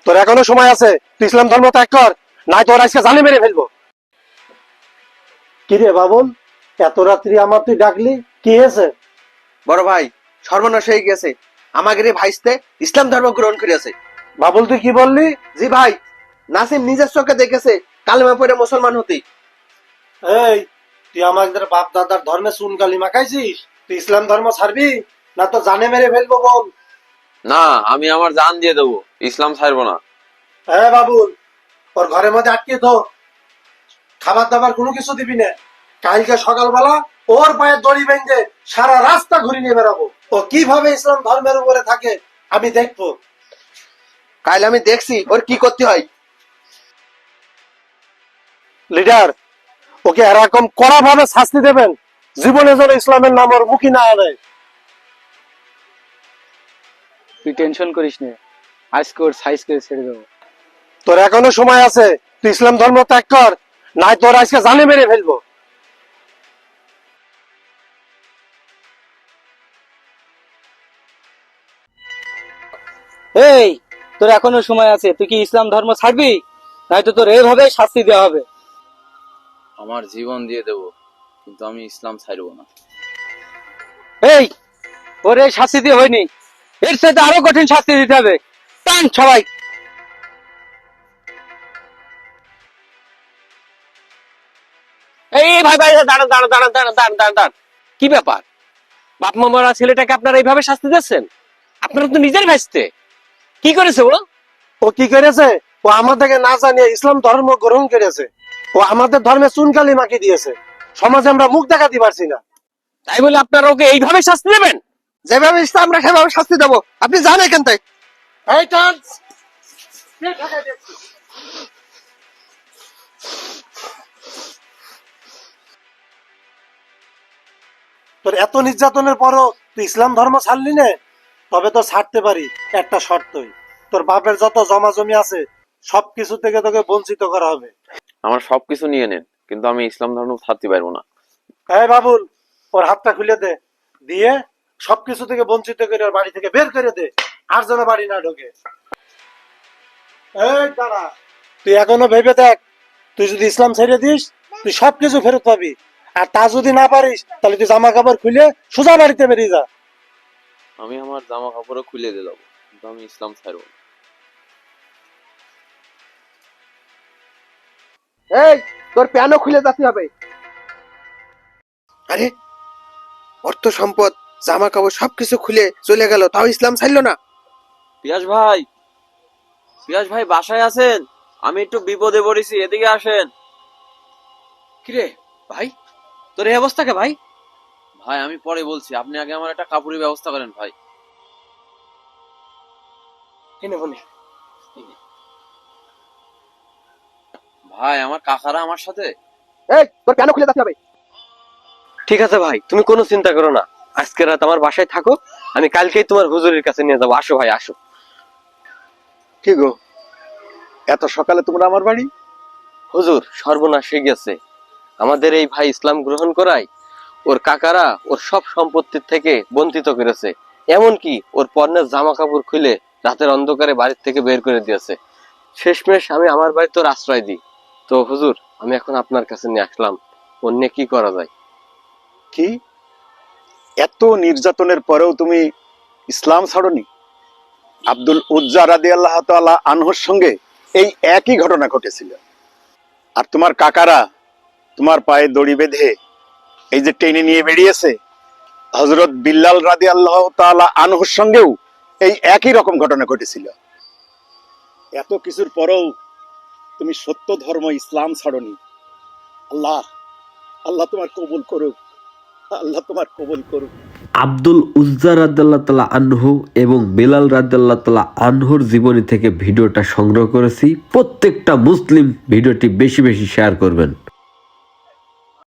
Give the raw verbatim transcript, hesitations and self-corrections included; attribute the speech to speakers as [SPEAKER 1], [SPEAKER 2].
[SPEAKER 1] তোর এখনো সময় আছে, তুই ইসলাম ধর্ম ত্যাগ কর, নাই তোর আজকে জানে মেরে ফেলবো। কিরে বাবুল, এত রাত্রি আমার তুই ডাকলি, কি হয়েছে?
[SPEAKER 2] বড় ভাই, সর্বনাশ হয়ে গেছে। আমাদের এই ভাইস্তে ইসলাম ধর্ম গ্রহণ করেছে।
[SPEAKER 1] বাবুল তুই কি বললি?
[SPEAKER 2] জি ভাই, নাসিম নিজের চোখে দেখেছে কালেমা পড়ে মুসলমান হতে।
[SPEAKER 1] এই, তুই আমাদের বাপ দাদার ধর্মে চুন কালি মাখাইছিস, তুই ইসলাম ধর্ম ছাড়বি না তো জানে মেরে ফেলবো বল।
[SPEAKER 3] না, আমি আমার জান দিয়ে দেবো, ইসলাম ছাড়বো না।
[SPEAKER 1] হ্যাঁ বাবুল, ওর ঘরের মধ্যে আটকে তো, খাবার দাবার কোনো কিছু দিবি না। কালকে সকালবেলা ওর পায়ের দড়ি বেঁধে সারা রাস্তা ঘুরে নিয়ে বেড়াবো। ও কিভাবে ইসলাম ধর্মের উপরে থাকে আমি দেখবো।
[SPEAKER 2] কাল আমি দেখছি ওর কি করতে হয়।
[SPEAKER 1] লিডার, ওকে এরকম কড়া ভাবে শাস্তি দেবেন, জীবনে যেন ইসলামের নাম ওর মুখী না আনে।
[SPEAKER 4] তুই টেনশন করিস না, আজকে ওর সাইজ করে ছেড়ে দেবো।
[SPEAKER 1] তোর এখনো সময় আছে, তুই ইসলাম ধর্ম ত্যাগ কর, নাই তোর আজকে জানে মেরে ফেলবো।
[SPEAKER 4] এই, তোর এখনো সময় আছে, তুই কি ইসলাম ধর্ম ছাড়বি, নয়তো তোর এভাবে শাস্তি দেওয়া হবে।
[SPEAKER 3] আমার জীবন দিয়ে দেবো, কিন্তু আমি ইসলাম ছাড়বো না।
[SPEAKER 4] এই, ওর এই শাস্তি দিয়ে হয়নি, এর সাথে আরো কঠিন শাস্তি দিতে হবে। টান সবাই।
[SPEAKER 5] এই ভাই ভাই দাঁড়ান দাঁড়ান দাঁড়ান দাঁড়ান দাঁড়ান দাঁড়ান দাঁড়ান কি ব্যাপার? বাপ মা মরা ছেলেটাকে আপনারা এইভাবে শাস্তি দিচ্ছেন? আপনারা তো নিজের ভাইস্তে, কি করেছে ও?
[SPEAKER 1] ও কি করেছে? ও আমাদেরকে না জানিয়ে ইসলাম ধর্ম গ্রহণ করেছে। ও আমাদের ধর্মে চুনকালি মাখিয়ে দিয়েছে, সমাজে আমরা মুখ দেখাতে পারছি না।
[SPEAKER 5] তাই বলে আপনারা ওকে এইভাবে শাস্তি দেবেন?
[SPEAKER 2] যেভাবে ইসলাম আমরা সেভাবে শাস্তি দেবো, আপনি জান এখান থেকে।
[SPEAKER 1] এই টান, তোর এত নির্যাতনের পরও তুই ইসলাম ধর্ম ছাড়লি না, তবে তো ছাড়তে পারি একটা শর্তই, তোর বাপের যত জমা জমি আছে সবকিছু থেকে তোকে বঞ্চিত করা হবে।
[SPEAKER 3] আমার সবকিছু নিয়ে নেন, কিন্তু আমি ইসলাম ধর্ম ছাড়তে পারবো না।
[SPEAKER 1] হ্যাঁ বাবুল, ওর হাতটা খুলে দে, দিয়ে সবকিছু থেকে বঞ্চিত করে ওর বাড়ি থেকে বের করে দে, আর যেন বাড়ি না ঢোকে। এই দাঁড়া, তুই এখনো ভেবে দেখ, তুই যদি ইসলাম ছেড়ে দিস তুই সবকিছু ফেরত পাবি, আর তা যদি না পারিস তাহলে তুই জামা কাপড় খুলে সোজা বাড়িতে বেরিয়ে যা।
[SPEAKER 3] আমি আমার জামা কাপড়ও খুলে দিয়ে যাবো, কিন্তু আমি ইসলাম ছাড়বো না।
[SPEAKER 2] এই, তোর প্যানও খুলে যেতে হবে। আরে, অর্থ সম্পদ জামা কাপড় সবকিছু খুলে চলে গেল, তাও ইসলাম ছাড়লো না।
[SPEAKER 3] পিয়াস ভাই, পিয়াস ভাই বাসায় আছেন? আমি একটু বিপদে পড়েছি, এদিকে আসেন।
[SPEAKER 5] কিরে ভাই, তোর এই অবস্থা কে ভাই?
[SPEAKER 3] ভাই আমি পরে বলছি, আপনি আগে আমার একটা কাপড়ের ব্যবস্থা করেন ভাই।
[SPEAKER 5] কিনে বলি
[SPEAKER 3] ভাই আমার কাকারা আমার সাথে।
[SPEAKER 2] এই, তোর প্যানও খুলে যেতে হবে।
[SPEAKER 5] ঠিক আছে ভাই, তুমি কোনো চিন্তা করো না, আজকে রাত আমার বাসায় থাকো, আমি কালকেই তোমার হুজুরের কাছে নিয়ে যাবো। আসো ভাই আসো।
[SPEAKER 6] কি গো, এত সকালে তোমরা আমার বাড়ি?
[SPEAKER 5] হুজুর, সর্বনাশ হয়ে গেছে, আমাদের এই ভাই ইসলাম গ্রহণ করায় ওর কাকারা ওর সব সম্পত্তির থেকে বঞ্চিত করেছে, এমনকি ওর পণ্যের জামা কাপড় খুলে রাতের অন্ধকারে বাড়ির থেকে বের করে দিয়েছে। শেষমেশ আমি আমার বাড়িতে ওর আশ্রয় দিই। তো হুজুর, আমি এখন আপনার কাছে নিয়ে আসলাম, অন্য কি করা যায়?
[SPEAKER 6] কি, এত নির্যাতনের পরেও তুমি ইসলাম ছাড়োনি? আব্দুল উজ্জা রাদিয়াল্লাহু তাআলা আনহুর সঙ্গে এই একই ঘটনা ঘটেছিল, আর তোমার কাকারা তোমার পায়ে দড়ি বেঁধে এই যে টেনে নিয়ে বেরিয়েছে। হযরত বিল্লাল রাদিয়াল্লাহু তাআলা আনহুর সঙ্গেও এই একই রকম ঘটনা ঘটেছিল। এত কিছুর পরেও তুমি সত্য ধর্ম ইসলাম ছাড়োনি। আল্লাহ আল্লাহ তোমার কবুল করুক, আল্লাহ তোমার কবুল করুক।
[SPEAKER 7] আব্দুল উজ্জা রাদিয়াল্লাহু তাআলা আনহু এবং বেলাল রাদিয়াল্লাহু তাআলা আনহুর জীবনী থেকে ভিডিওটা সংগ্রহ করেছি। প্রত্যেকটা মুসলিম ভিডিওটি বেশি বেশি শেয়ার করবেন।